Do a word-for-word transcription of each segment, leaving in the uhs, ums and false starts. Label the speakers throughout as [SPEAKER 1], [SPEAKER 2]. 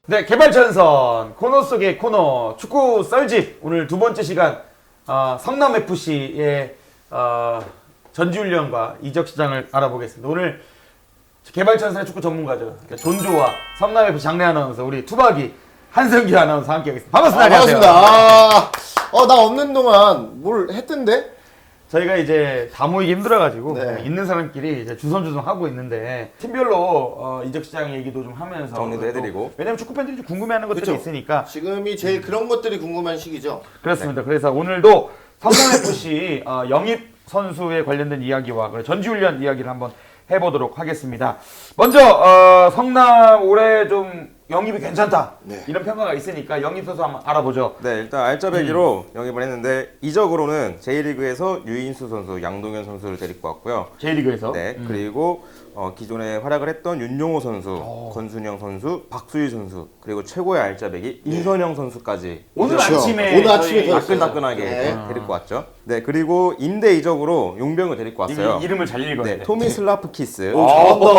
[SPEAKER 1] 네, 개발전선 코너 속의 코너 축구 썰집 오늘 두 번째 시간 어, 성남에프씨의 어, 전지훈련과 이적 시장을 알아보겠습니다. 오늘 개발전선의 축구 전문가죠. 존조와 성남에프씨 장래 아나운서 우리 투박이 한승기 아나운서 함께하겠습니다. 반갑습니다.
[SPEAKER 2] 아,
[SPEAKER 1] 안녕하세요.
[SPEAKER 2] 반갑습니다. 아, 어, 나 없는 동안 뭘 했던데?
[SPEAKER 1] 저희가 이제 다 모이기 힘들어가지고
[SPEAKER 2] 네.
[SPEAKER 1] 있는 사람끼리 이제 주선주선 하고 있는데 팀별로 어, 이적 시장 얘기도 좀 하면서
[SPEAKER 3] 정리도 해드리고.
[SPEAKER 1] 왜냐면 축구 팬들이 좀 궁금해하는 것들이
[SPEAKER 2] 그쵸.
[SPEAKER 1] 있으니까
[SPEAKER 2] 지금이 제일 그런 것들이 궁금한 시기죠.
[SPEAKER 1] 그렇습니다. 그래서 오늘도 성남에프씨 어, 영입 선수에 관련된 이야기와 그리고 전지훈련 이야기를 한번 해보도록 하겠습니다. 먼저 어, 성남 올해 좀 영입이 괜찮다
[SPEAKER 2] 네.
[SPEAKER 1] 이런 평가가 있으니까 영입 선수 한번 알아보죠.
[SPEAKER 3] 네, 일단 알짜배기로 영입을 했는데 이적으로는 제이리그에서 유인수 선수, 양동현 선수를 데리고 왔고요.
[SPEAKER 1] J리그에서
[SPEAKER 3] 네,
[SPEAKER 1] 음.
[SPEAKER 3] 그리고 어, 기존에 활약을 했던 윤용호 선수,
[SPEAKER 1] 오.
[SPEAKER 3] 권순영 선수, 박수희 선수, 그리고 최고의 알짜배기 인선영 선수까지
[SPEAKER 1] 오늘
[SPEAKER 2] 그렇죠.
[SPEAKER 1] 아침에
[SPEAKER 2] 오늘 아침에
[SPEAKER 1] 저희
[SPEAKER 2] 들었어요.
[SPEAKER 3] 따끈따끈하게
[SPEAKER 2] 네.
[SPEAKER 3] 데리고 왔죠. 네, 그리고 임대 이적으로 용병을 데리고 왔어요.
[SPEAKER 1] 이, 이름을 잘 읽어야
[SPEAKER 3] 네,
[SPEAKER 1] 돼.
[SPEAKER 3] 토미 슬라프키스.
[SPEAKER 2] 오,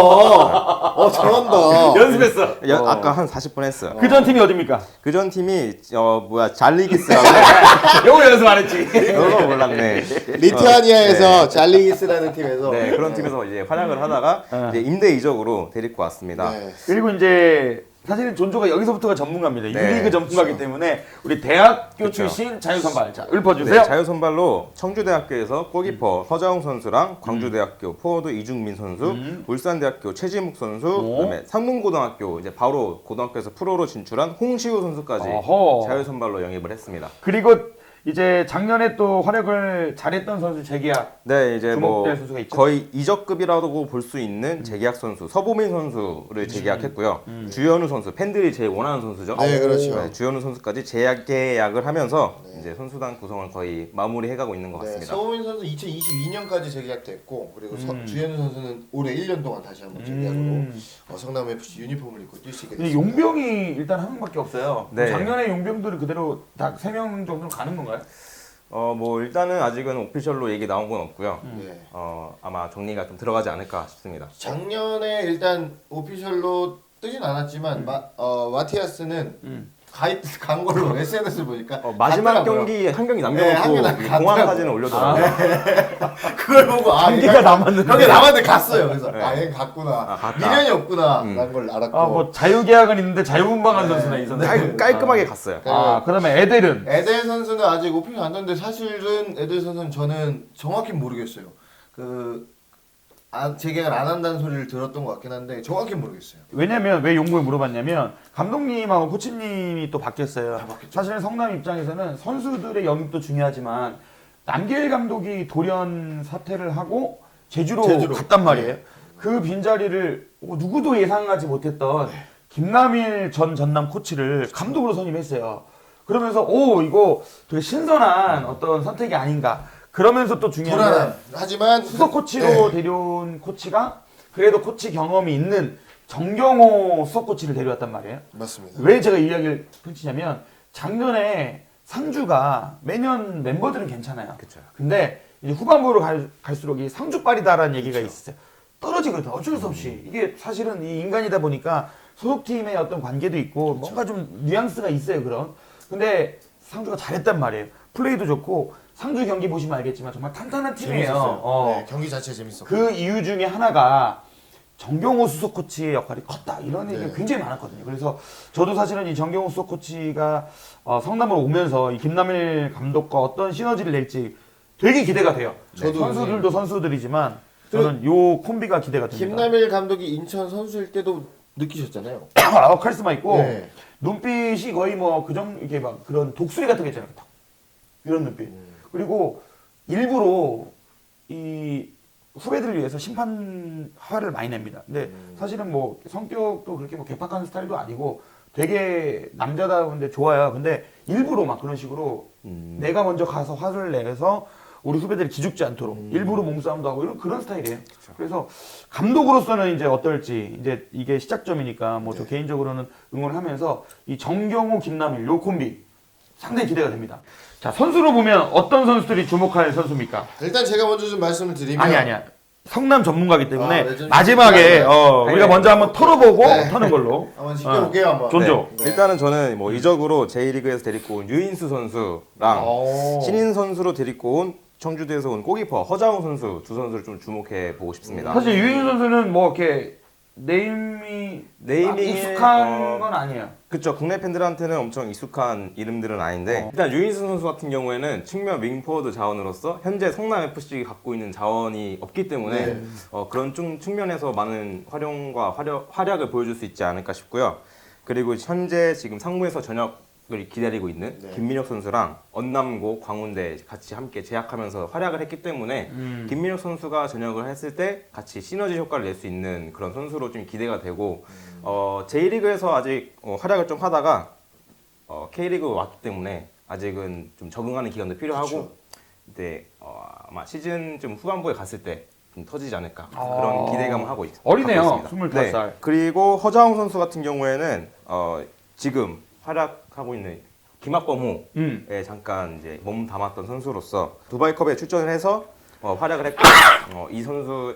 [SPEAKER 2] 잘한다. 어, 잘한다.
[SPEAKER 1] 연습했어.
[SPEAKER 3] 야,
[SPEAKER 1] 어.
[SPEAKER 3] 아까 한 사십 분 했어요.
[SPEAKER 1] 그 전 팀이 어딥니까?
[SPEAKER 3] 그 전 팀이 어 뭐야 잘리기스라고.
[SPEAKER 1] 영어 연습 안 했지.
[SPEAKER 3] 그거 몰랐네.
[SPEAKER 2] 리투아니아에서 잘리기스라는 팀에서.
[SPEAKER 3] 네, 그런 팀에서 이제 활약을 하다가
[SPEAKER 1] 네.
[SPEAKER 3] 이제 임대 이적으로 데리고 왔습니다.
[SPEAKER 2] 네.
[SPEAKER 1] 그리고 이제 사실은 존조가 여기서부터가 전문가입니다.
[SPEAKER 3] 네,
[SPEAKER 1] 유리그 전문가이기 때문에 우리 대학교
[SPEAKER 3] 그쵸.
[SPEAKER 1] 출신 자유선발 자 읊어주세요.
[SPEAKER 3] 네, 자유선발로 청주대학교에서 골키퍼 서자웅 선수랑 광주대학교 포워드 이중민 선수,
[SPEAKER 1] 음.
[SPEAKER 3] 울산대학교 최지묵 선수,
[SPEAKER 1] 오.
[SPEAKER 3] 그다음에 상문고등학교 이제 바로 고등학교에서 프로로 진출한 홍시우 선수까지
[SPEAKER 1] 어허.
[SPEAKER 3] 자유선발로 영입을 했습니다.
[SPEAKER 1] 그리고 이제 작년에 또 활약을 잘했던 선수 재계약.
[SPEAKER 3] 네, 이제 뭐
[SPEAKER 1] 주목될 선수가 있죠?
[SPEAKER 3] 거의 이적급이라고 볼 수 있는 재계약 선수 서보민 선수를 재계약했고요. 주현우 선수 팬들이 제일 원하는 선수죠.
[SPEAKER 2] 네, 그렇죠.
[SPEAKER 3] 네, 주현우 선수까지 재계약을 하면서 이제 선수단 구성을 거의 마무리해가고 있는 것
[SPEAKER 2] 네,
[SPEAKER 3] 같습니다.
[SPEAKER 2] 서우민 선수 이천이십이 년까지 재계약됐고 그리고 서-
[SPEAKER 1] 음.
[SPEAKER 2] 주현우 선수는 올해 일 년 동안 다시 한번 재계약으로
[SPEAKER 1] 음.
[SPEAKER 2] 어, 성남에프씨 유니폼을 입고 뛸 수 있게
[SPEAKER 1] 근데
[SPEAKER 2] 됐습니다.
[SPEAKER 1] 용병이 일단 한 명밖에 없어요.
[SPEAKER 3] 네.
[SPEAKER 1] 작년에 용병들은 그대로 다 세 명 정도는 가는 건가요?
[SPEAKER 3] 어, 뭐 일단은 아직은 오피셜로 얘기 나온 건 없고요.
[SPEAKER 2] 네.
[SPEAKER 3] 어, 아마 정리가 좀 들어가지 않을까 싶습니다.
[SPEAKER 2] 작년에 일단 오피셜로 뜨진 않았지만 마, 어, 마티아스는
[SPEAKER 1] 음.
[SPEAKER 2] 가입 간 걸로 에스엔에스 보니까
[SPEAKER 3] 어, 마지막
[SPEAKER 2] 갔더라고요.
[SPEAKER 3] 경기 한 경기
[SPEAKER 2] 네, 한
[SPEAKER 3] 남겨놓고
[SPEAKER 2] 경기 남-
[SPEAKER 3] 공항
[SPEAKER 2] 갔더라고요.
[SPEAKER 3] 사진을 올려더라고요.
[SPEAKER 2] 그걸 보고 아
[SPEAKER 1] 경기가
[SPEAKER 2] 얘가-
[SPEAKER 1] 남았는데.
[SPEAKER 2] 경기 남았는데 갔어요. 그래서
[SPEAKER 3] 네.
[SPEAKER 2] 아 얘 갔구나.
[SPEAKER 3] 아, 갔다.
[SPEAKER 2] 미련이 없구나.
[SPEAKER 3] 음.
[SPEAKER 2] 라는 걸 알았고.
[SPEAKER 1] 아 뭐 자유계약은 있는데 자유분방한
[SPEAKER 2] 네.
[SPEAKER 1] 선수나 이 선수.
[SPEAKER 3] 깔, 깔끔하게 갔어요.
[SPEAKER 1] 아 그다음에 에델은
[SPEAKER 2] 에델 선수는 아직 오피셜 안 떴는데 사실은 에델 선수는 저는 정확히 모르겠어요. 그 아, 재계약을 안 한다는 소리를 들었던 것 같긴 한데 정확히 모르겠어요.
[SPEAKER 1] 왜냐면 왜 용병을 물어봤냐면 감독님하고 코치님이 또 바뀌었어요.
[SPEAKER 2] 아, 바뀌었죠.
[SPEAKER 1] 사실 성남 입장에서는 선수들의 영입도 중요하지만 남길 감독이 돌연 사퇴를 하고 제주로,
[SPEAKER 2] 제주로.
[SPEAKER 1] 갔단 말이에요.
[SPEAKER 2] 네.
[SPEAKER 1] 그 빈자리를 어, 누구도 예상하지 못했던 김남일 전 전남 코치를 감독으로 선임했어요. 그러면서 오 이거 되게 신선한 어떤 선택이 아닌가. 그러면서 또 중요한 건
[SPEAKER 2] 불안한. 하지만
[SPEAKER 1] 수석 코치로
[SPEAKER 2] 네.
[SPEAKER 1] 데려온 코치가 그래도 코치 경험이 있는 정경호 수석 코치를 데려왔단 말이에요.
[SPEAKER 2] 맞습니다.
[SPEAKER 1] 왜 제가 이 이야기를 펼치냐면 작년에 상주가 매년 멤버들은 괜찮아요.
[SPEAKER 3] 그쵸.
[SPEAKER 1] 근데 이제 후반부로 갈, 갈수록 이 상주빨이다라는 얘기가 있어요. 떨어지거든. 어쩔 수 없이. 이게 사실은 이 인간이다 보니까 소속팀의 어떤 관계도 있고 뭔가 좀 뉘앙스가 있어요. 그런. 근데 상주가 잘했단 말이에요. 플레이도 좋고 상주 경기 보시면 알겠지만 정말 탄탄한 팀이에요.
[SPEAKER 2] 재밌었어요.
[SPEAKER 1] 어.
[SPEAKER 2] 네, 경기 자체 재밌었고.
[SPEAKER 1] 그 이유 중에 하나가 정경호 수석 코치의 역할이 컸다 이런 얘기가
[SPEAKER 2] 네.
[SPEAKER 1] 굉장히 많았거든요. 그래서 저도 사실은 이 정경호 수석 코치가 어, 성남으로 오면서 이 김남일 감독과 어떤 시너지를 낼지 되게 기대가 돼요.
[SPEAKER 2] 저도
[SPEAKER 1] 선수들도 선수들이지만 저는 요 콤비가 기대가 됩니다.
[SPEAKER 2] 김남일 감독이 인천 선수일 때도 느끼셨잖아요.
[SPEAKER 1] 아, 카리스마 있고
[SPEAKER 2] 네.
[SPEAKER 1] 눈빛이 거의 뭐 그정 이게 막 그런 독수리 같은 게 있잖아요. 탁. 이런 눈빛.
[SPEAKER 2] 음.
[SPEAKER 1] 그리고 일부러 이 후배들을 위해서 심판 화를 많이 냅니다. 근데
[SPEAKER 2] 음.
[SPEAKER 1] 사실은 뭐 성격도 그렇게 뭐 개팍한 스타일도 아니고 되게 남자다운데 좋아요. 근데 일부러 막 그런 식으로
[SPEAKER 3] 음.
[SPEAKER 1] 내가 먼저 가서 화를 내서 우리 후배들이 기죽지 않도록
[SPEAKER 2] 음.
[SPEAKER 1] 일부러 몸싸움도 하고 이런 그런 스타일이에요. 그래서 감독으로서는 이제 어떨지 이제 이게 시작점이니까 뭐 저
[SPEAKER 2] 네.
[SPEAKER 1] 개인적으로는 응원하면서 이 정경호, 김남일 요 콤비 상당히 기대가 됩니다. 자 선수로 보면 어떤 선수들이 주목할 선수입니까?
[SPEAKER 2] 일단 제가 먼저 좀 말씀을 드리면
[SPEAKER 1] 아니 아니야. 성남 전문가이기 때문에
[SPEAKER 2] 아, 레전드
[SPEAKER 1] 마지막에
[SPEAKER 2] 네.
[SPEAKER 1] 어, 우리가
[SPEAKER 3] 네.
[SPEAKER 1] 먼저 한번 털어보고
[SPEAKER 2] 네.
[SPEAKER 1] 터는 걸로.
[SPEAKER 2] 한번 지켜볼게요 한번.
[SPEAKER 1] 존조.
[SPEAKER 2] 네.
[SPEAKER 3] 일단은 저는 뭐 이적으로 J리그에서 데리고 온 유인수 선수랑
[SPEAKER 2] 오.
[SPEAKER 3] 신인 선수로 데리고 온 청주대에서 온 골키퍼 허장우 선수 두 선수를 좀 주목해 보고 싶습니다.
[SPEAKER 1] 사실 유인 선수는 뭐 이렇게 네임이
[SPEAKER 3] 네이밍에,
[SPEAKER 1] 익숙한
[SPEAKER 3] 어,
[SPEAKER 1] 건 아니에요.
[SPEAKER 3] 그쵸, 국내 팬들한테는 엄청 익숙한 이름들은 아닌데
[SPEAKER 1] 어.
[SPEAKER 3] 일단 유인수 선수 같은 경우에는 측면 윙포워드 자원으로서 현재 성남에프씨 갖고 있는 자원이 없기 때문에
[SPEAKER 2] 네.
[SPEAKER 3] 어, 그런 좀 측면에서 많은 활용과 활약, 활약을 보여줄 수 있지 않을까 싶고요. 그리고 현재 지금 상무에서 전역을 기다리고 있는
[SPEAKER 2] 네.
[SPEAKER 3] 김민혁 선수랑 언남고 광운대 같이 함께 제약하면서 활약을 했기 때문에
[SPEAKER 1] 음.
[SPEAKER 3] 김민혁 선수가 전역을 했을 때 같이 시너지 효과를 낼 수 있는 그런 선수로 좀 기대가 되고 어, J리그에서 아직 어, 활약을 좀 하다가 어, K리그 왔기 때문에 아직은 좀 적응하는 기간도 필요하고
[SPEAKER 2] 그쵸.
[SPEAKER 3] 네, 어, 아마 시즌 좀 후반부에 갔을 때 좀 터지지 않을까
[SPEAKER 1] 아.
[SPEAKER 3] 그런 기대감을 하고 있,
[SPEAKER 1] 어리네요.
[SPEAKER 3] 갖고 있습니다.
[SPEAKER 1] 스물다섯 살.
[SPEAKER 3] 그리고 허자웅 선수 같은 경우에는 어, 지금 활약하고 있는 김학범호에
[SPEAKER 1] 음.
[SPEAKER 3] 잠깐 이제 몸 담았던 선수로서 두바이컵에 출전을 해서 어, 활약을 했고 어, 이 선수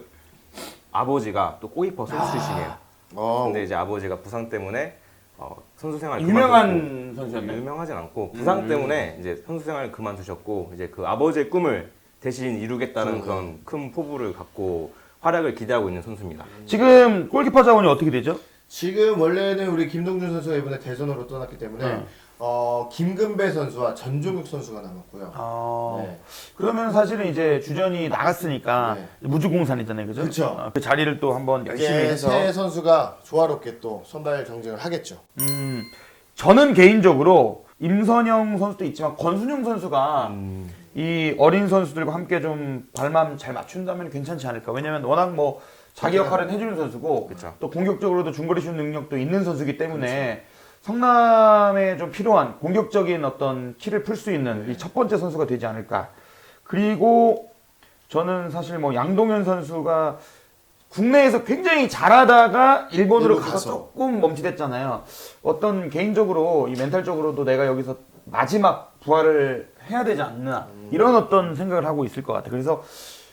[SPEAKER 3] 아버지가 또 골키퍼 선수 출신이에요.
[SPEAKER 2] 어.
[SPEAKER 3] 근데 이제 아버지가 부상 때문에 어, 선수 생활
[SPEAKER 1] 유명한 선수였나요?
[SPEAKER 3] 유명하진 않고 부상
[SPEAKER 1] 음.
[SPEAKER 3] 때문에 이제 선수 생활을 그만두셨고 이제 그 아버지의 꿈을 대신 이루겠다는
[SPEAKER 2] 음.
[SPEAKER 3] 그런 큰 포부를 갖고 활약을 기대하고 있는 선수입니다.
[SPEAKER 1] 지금 골키퍼 자원이 어떻게 되죠?
[SPEAKER 2] 지금 원래는 우리 김동준 선수가 이번에 대선으로 떠났기 때문에
[SPEAKER 1] 네.
[SPEAKER 2] 어, 김근배 선수와 전종욱 선수가 남았고요.
[SPEAKER 1] 아,
[SPEAKER 2] 네.
[SPEAKER 1] 그러면 사실은 이제 주전이 나갔으니까
[SPEAKER 2] 네.
[SPEAKER 1] 무주공산이잖아요, 그죠?
[SPEAKER 2] 그쵸.
[SPEAKER 1] 어, 그 자리를 또 한번 열심히
[SPEAKER 2] 이제
[SPEAKER 1] 해서.
[SPEAKER 2] 새 선수가 조화롭게 또 선발 경쟁을 하겠죠.
[SPEAKER 1] 음, 저는 개인적으로 임선영 선수도 있지만 권순영 선수가
[SPEAKER 3] 음,
[SPEAKER 1] 이 어린 선수들과 함께 좀 발맘 잘 맞춘다면 괜찮지 않을까. 왜냐면 워낙 뭐 자기 역할은 해주는 선수고
[SPEAKER 3] 그쵸.
[SPEAKER 1] 또 공격적으로도 중거리 슛 능력도 있는 선수이기 때문에 성남에 좀 필요한 공격적인 어떤 키를 풀 수 있는 이 첫 번째 선수가 되지 않을까. 그리고 저는 사실 뭐 양동현 선수가 국내에서 굉장히 잘하다가 일본으로
[SPEAKER 2] 일본
[SPEAKER 1] 가서
[SPEAKER 2] 가서.
[SPEAKER 1] 조금 멈칫했잖아요. 어떤 개인적으로 이 멘탈적으로도 내가 여기서 마지막 부활을 해야 되지 않나 이런 어떤 생각을 하고 있을 것 같아요. 그래서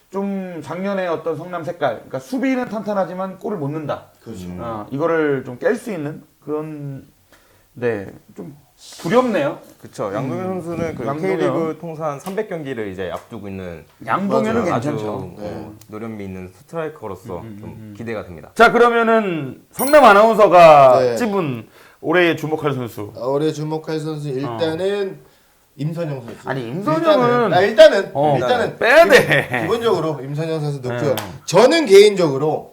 [SPEAKER 1] 좀 작년에 어떤 성남 색깔, 그러니까 수비는 탄탄하지만 골을 못 넣는다.
[SPEAKER 2] 그렇죠.
[SPEAKER 1] 어, 이거를 좀 깰 수 있는 그런 네 좀 두렵네요.
[SPEAKER 3] 그쵸. 양동현 선수는 그
[SPEAKER 1] 양동현.
[SPEAKER 3] K리그 통산 삼백 경기를 이제 앞두고 있는
[SPEAKER 1] 양동현은
[SPEAKER 2] 맞아요.
[SPEAKER 3] 아주
[SPEAKER 1] 괜찮죠.
[SPEAKER 2] 네.
[SPEAKER 3] 어, 노련미 있는 스트라이커로서 좀 기대가 됩니다.
[SPEAKER 1] 자 그러면은 성남 아나운서가
[SPEAKER 2] 네.
[SPEAKER 1] 찝은 올해 주목할 선수.
[SPEAKER 2] 어, 올해 주목할 선수 일단은 임선영 선수.
[SPEAKER 1] 아니, 임선영은-
[SPEAKER 2] 일단은 아, 일단은
[SPEAKER 1] 어,
[SPEAKER 2] 일단은
[SPEAKER 1] 빼야 돼.
[SPEAKER 2] 기본적으로 임선영 선수 넣고요.
[SPEAKER 1] 네.
[SPEAKER 2] 저는 개인적으로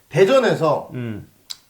[SPEAKER 2] 대전에서
[SPEAKER 1] 음.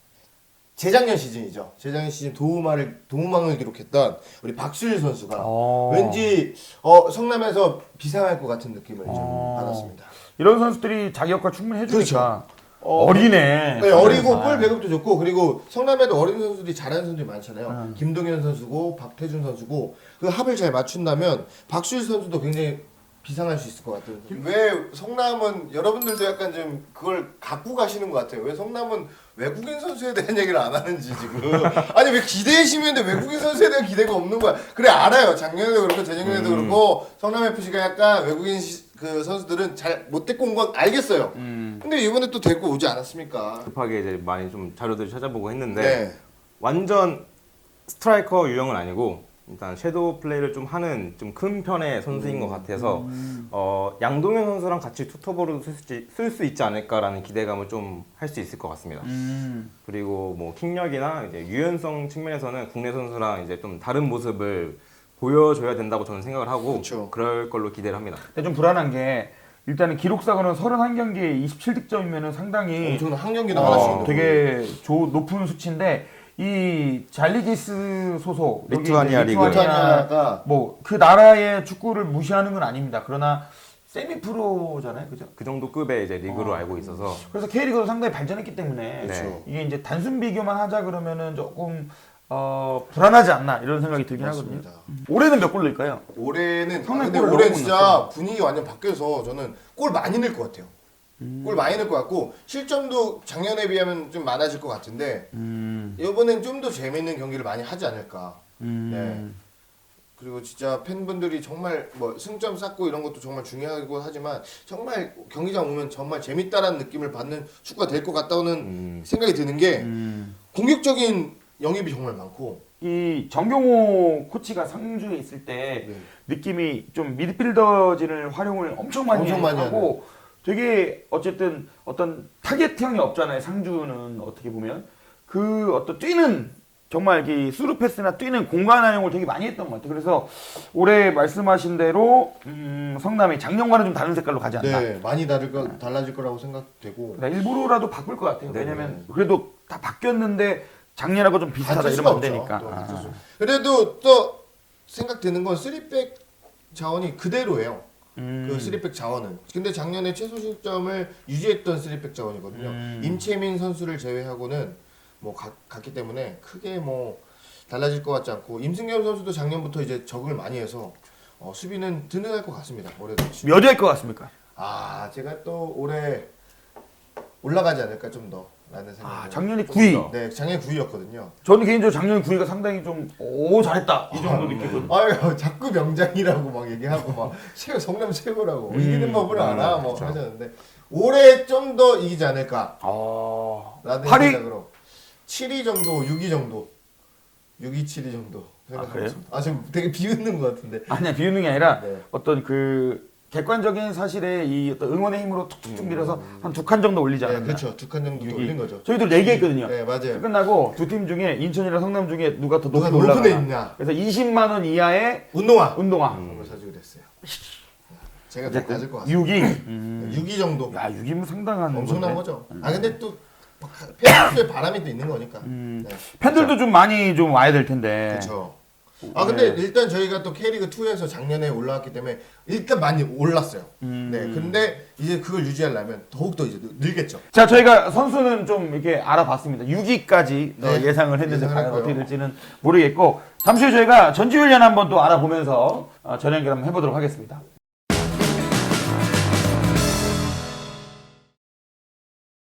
[SPEAKER 2] 재작년 시즌이죠. 재작년 시즌 도움을 도움왕을 기록했던 우리 박수일 선수가
[SPEAKER 1] 어.
[SPEAKER 2] 왠지 어, 성남에서 비상할 것 같은 느낌을 좀
[SPEAKER 1] 어.
[SPEAKER 2] 받았습니다.
[SPEAKER 1] 이런 선수들이 자기 역할 충분히 해주니까
[SPEAKER 2] 어,
[SPEAKER 1] 어리네.
[SPEAKER 2] 네, 어리고
[SPEAKER 1] 아.
[SPEAKER 2] 볼 배급도 좋고 그리고 성남에도 어린 선수들이 잘하는 선수들이 많잖아요.
[SPEAKER 1] 음.
[SPEAKER 2] 김동현 선수고 박태준 선수고 그 합을 잘 맞춘다면 박수일 선수도 굉장히 비상할 수 있을 것 같아요. 왜 성남은 여러분들도 약간 좀 그걸 갖고 가시는 것 같아요. 왜 성남은 외국인 선수에 대한 얘기를 안 하는지 지금. 아니 왜 기대의 심인데 외국인 선수에 대한 기대가 없는 거야. 그래 알아요. 작년에도 그렇고 재작년에도
[SPEAKER 1] 음.
[SPEAKER 2] 그렇고 성남에프씨가 약간 외국인 시, 그 선수들은 잘 못 데리고 온 건 알겠어요.
[SPEAKER 1] 음.
[SPEAKER 2] 근데 이번에 또 데리고 오지 않았습니까?
[SPEAKER 3] 급하게 이제 많이 좀 자료들을 찾아보고 했는데
[SPEAKER 2] 네.
[SPEAKER 3] 완전 스트라이커 유형은 아니고 일단 섀도우 플레이를 좀 하는 좀 큰 편의 선수인 것 같아서 어, 양동현 선수랑 같이 투톱으로 쓸 수 있지 않을까라는 기대감을 좀 할 수 있을 것 같습니다.
[SPEAKER 1] 음.
[SPEAKER 3] 그리고 뭐 킥력이나 이제 유연성 측면에서는 국내 선수랑 이제 좀 다른 모습을 보여줘야 된다고 저는 생각을 하고
[SPEAKER 2] 그쵸.
[SPEAKER 3] 그럴 걸로 기대를 합니다.
[SPEAKER 1] 근데 좀 불안한 게 일단은 기록사고는 서른한 경기에 이십칠 득점이면은 상당히
[SPEAKER 2] 엄청난 한 경기당 하나씩.
[SPEAKER 1] 어, 되게 조, 높은 수치인데 이 잘리기스 소속 여기
[SPEAKER 3] 리투아니아
[SPEAKER 1] 이제
[SPEAKER 3] 리그.
[SPEAKER 2] 리투아니아가
[SPEAKER 1] 뭐 그 나라의 축구를 무시하는 건 아닙니다. 그러나 세미 프로잖아요, 그죠?
[SPEAKER 3] 그 정도 급의 이제 리그로
[SPEAKER 1] 어.
[SPEAKER 3] 알고 있어서
[SPEAKER 1] 그래서 K리그도 상당히 발전했기 때문에
[SPEAKER 3] 그렇죠.
[SPEAKER 1] 이게 이제 단순 비교만 하자 그러면은 조금 어, 불안하지 않나 이런 생각이 들긴 하거든요.
[SPEAKER 2] 맞습니다.
[SPEAKER 1] 올해는 몇 골 넣을까요?
[SPEAKER 2] 올해는
[SPEAKER 1] 성남
[SPEAKER 2] 아, 근데
[SPEAKER 1] 골을
[SPEAKER 2] 올해
[SPEAKER 1] 너무
[SPEAKER 2] 진짜
[SPEAKER 1] 넣었죠.
[SPEAKER 2] 분위기 완전 바뀌어서 저는 골 많이 넣을 것 같아요.
[SPEAKER 1] 음.
[SPEAKER 2] 골 많이 넣을 것 같고 실점도 작년에 비하면 좀 많아질 것 같은데
[SPEAKER 1] 음.
[SPEAKER 2] 이번엔 좀 더 재밌는 경기를 많이 하지 않을까.
[SPEAKER 1] 음.
[SPEAKER 2] 네. 그리고 진짜 팬분들이 정말 뭐 승점 쌓고 이런 것도 정말 중요하고 하지만 정말 경기장 오면 정말 재밌다라는 느낌을 받는 축구가 될 것 같다는
[SPEAKER 3] 음.
[SPEAKER 2] 생각이 드는 게
[SPEAKER 1] 음.
[SPEAKER 2] 공격적인 영입이 정말 많고
[SPEAKER 1] 이 정경호 코치가 상주에 있을 때
[SPEAKER 2] 네.
[SPEAKER 1] 느낌이 좀 미드필더진을 활용을 엄청 많이
[SPEAKER 2] 엄청 많이
[SPEAKER 1] 하고 되게 어쨌든 어떤 타겟형이 없잖아요. 상주는 어떻게 보면 그 어떤 뛰는 정말 이 스루 패스나 뛰는 공간 활용을 되게 많이 했던 것 같아요. 그래서 올해 말씀하신 대로 음, 성남이 작년과는 좀 다른 색깔로 가지 않나.
[SPEAKER 2] 네 많이 다를 거, 달라질 거라고 생각되고
[SPEAKER 1] 그러니까 일부러라도 바꿀 것 같아요.
[SPEAKER 2] 네.
[SPEAKER 1] 왜냐면 그래도 다 바뀌었는데 작년하고 좀 비슷하다
[SPEAKER 2] 가질
[SPEAKER 1] 이러면
[SPEAKER 2] 수가
[SPEAKER 1] 안
[SPEAKER 2] 없죠.
[SPEAKER 1] 되니까.
[SPEAKER 2] 또
[SPEAKER 1] 아.
[SPEAKER 2] 가질 수. 그래도 또 생각되는 건 쓰리백 자원이 그대로예요.
[SPEAKER 1] 음.
[SPEAKER 2] 그 쓰리백 자원은. 근데 작년에 최소 실점을 유지했던 쓰리백 자원이거든요.
[SPEAKER 1] 음.
[SPEAKER 2] 임채민 선수를 제외하고는 뭐 가, 갔기 때문에 크게 뭐 달라질 것 같지 않고 임승겸 선수도 작년부터 이제 적응을 많이 해서 어, 수비는 든든할 것 같습니다. 올해도.
[SPEAKER 1] 몇 위일 것 같습니까?
[SPEAKER 2] 아 제가 또 올해 올라가지 않을까 좀 더. 라는 생각이
[SPEAKER 1] 아,
[SPEAKER 2] 들어요.
[SPEAKER 1] 작년에 구 위.
[SPEAKER 2] 네, 작년에 구 위였거든요.
[SPEAKER 1] 저는 개인적으로 작년 구 위가 상당히 좀 오 잘했다 이 정도 느꼈거든요.
[SPEAKER 2] 아유 자꾸 명장이라고 막 얘기하고 막 최고 성남 최고라고
[SPEAKER 1] 음,
[SPEAKER 2] 이기는 법을 알아 뭐
[SPEAKER 3] 그렇죠.
[SPEAKER 2] 하셨는데 올해 좀 더 이기지 않을까
[SPEAKER 1] 아,
[SPEAKER 2] 라는
[SPEAKER 1] 팔 위?
[SPEAKER 2] 생각으로 칠 위 정도 육 위 정도 육 위 칠 위 정도 생각하고
[SPEAKER 1] 그래요?
[SPEAKER 2] 있습니다. 아 지금 되게 비웃는 것 같은데
[SPEAKER 1] 아니야 비웃는 게 아니라
[SPEAKER 2] 네.
[SPEAKER 1] 어떤 그 객관적인 사실에 이 어떤 응원의 힘으로 툭툭툭 밀어서 한 두 칸 정도 올리지
[SPEAKER 2] 네,
[SPEAKER 1] 않았나.
[SPEAKER 2] 그렇죠 두 칸 정도
[SPEAKER 1] 육 위.
[SPEAKER 2] 올린 거죠.
[SPEAKER 1] 저희도 네 개 했거든요.
[SPEAKER 2] 네 맞아요.
[SPEAKER 1] 끝나고 두 팀 중에 인천이랑 성남 중에 누가 더
[SPEAKER 2] 누가
[SPEAKER 1] 높이
[SPEAKER 2] 높은 데
[SPEAKER 1] 올라가나.
[SPEAKER 2] 있냐?
[SPEAKER 1] 그래서 이십만 원 이하의
[SPEAKER 2] 운동화
[SPEAKER 1] 운동화.
[SPEAKER 2] 그걸 사주기로 했어요. 제가 더 낮을 것 같습니다.
[SPEAKER 1] 육 위.
[SPEAKER 2] 네, 육 위 정도
[SPEAKER 1] 야, 육 위면 상당한
[SPEAKER 2] 엄청난
[SPEAKER 1] 건데.
[SPEAKER 2] 거죠. 아 근데 또 팬수의 바람이 또 있는 거니까.
[SPEAKER 1] 음.
[SPEAKER 2] 네.
[SPEAKER 1] 팬들도 좀 많이 좀 와야 될 텐데.
[SPEAKER 2] 그렇죠. 아 근데
[SPEAKER 1] 네.
[SPEAKER 2] 일단 저희가 또 K리그 투에서 작년에 올라왔기 때문에 일단 많이 올랐어요.
[SPEAKER 1] 음.
[SPEAKER 2] 네. 근데 이제 그걸 유지하려면 더욱 더 이제 늘겠죠.
[SPEAKER 1] 자, 저희가 선수는 좀 이렇게 알아봤습니다. 육 위까지
[SPEAKER 2] 네,
[SPEAKER 1] 예상을 했는데
[SPEAKER 2] 예상을
[SPEAKER 1] 과연
[SPEAKER 2] 했고요.
[SPEAKER 1] 어떻게 될지는 모르겠고 잠시 후 저희가 전지훈련 한번 또 알아보면서 어, 전연결 한번 해보도록 하겠습니다.